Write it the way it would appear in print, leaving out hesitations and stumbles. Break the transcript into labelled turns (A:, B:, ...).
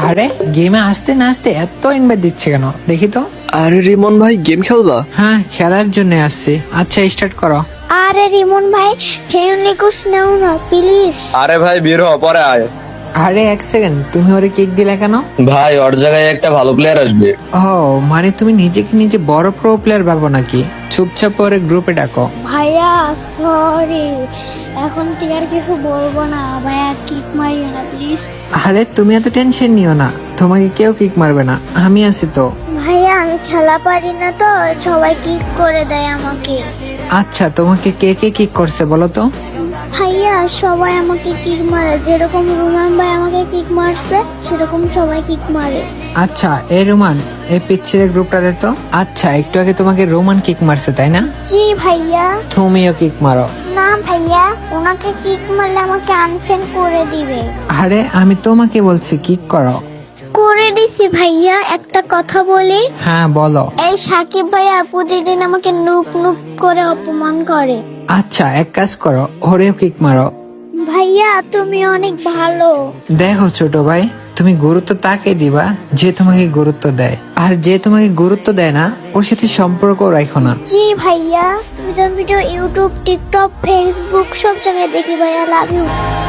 A: আরে গেমে আসতে না আসতে এত ইনভাইট দিচ্ছে কেন দেখি তো।
B: আরে রিমন ভাই গেম খেলবা?
A: হ্যাঁ খেলার জন্য আসছি। আচ্ছা স্টার্ট করো।
C: আরে রিমন ভাই ফ্রেন্ডলি কোস নাও না প্লিজ।
D: আরে ভাই বের হ, পরে আয়।
A: আরে এক সেকেন্ড, তুমি ওরে কিক দিলে কেন?
D: ভাই ওর জায়গায় একটা ভালো প্লেয়ার আসবে।
A: ও মানে তুমি নিজেকে নিজে বড় প্রো প্লেয়ার ভাবো নাকি? চুপচাপ ওরে গ্রুপে ডাকো।
C: ভাইয়া সরি, এখন থেকে আর কিছু বলবো না। ভাইয়া কিক মারিও না প্লিজ।
A: আরে তুমি এত টেনশন নিও না, তোমাকে কেউ কিক মারবে না, আমি আছি তো।
C: ভাইয়া আমি খেলা পারি না তো, সবাই কিক করে দেয় আমাকে।
A: আচ্ছা তোমাকে কে কে কিক করছে বলো তো?
C: ভাইয়া সবাই আমাকে কিক মারে, যেরকম রুমান ভাই আমাকে কিক মারছে সেরকম সবাই কিক মারে।
A: আচ্ছা এই রোমান, এই পিচ্ছিরের গ্রুপটা দে তো। আচ্ছা একটু আগে তোমাকে রোমান কিক মারছে তাই না?
C: জি ভাইয়া।
A: তুমিও কিক মারো।
C: না ভাইয়া, ওনাকে কিক মারলে আমাকে আনফ্রেন্ড করে দিবে।
A: আরে আমি তোমাকে বলছি কিক করো।
C: করে দিছি ভাইয়া। একটা কথা বলি,
A: হ্যাঁ বলো।
C: এই সাকিব ভাইয়া প্রতিদিন আমাকে নুপ নুপ করে অপমান করে।
A: আচ্ছা এক কাজ করো, ওরেও কিক মারো।
C: ভাইয়া তুমি অনেক ভালো।
A: দেখো ছোট ভাই, তুমি গুরুত্ব তাকে দিবা যে তোমাকে গুরুত্ব দেয়, আর যে তোমাকে গুরুত্ব দেয় না ওর সাথে সম্পর্ক রাখো না।
C: জি ভাইয়া, ভিডিও ইউটিউব টিকটক ফেসবুক সব জায়গায় দেখি ভাইয়া। Love you.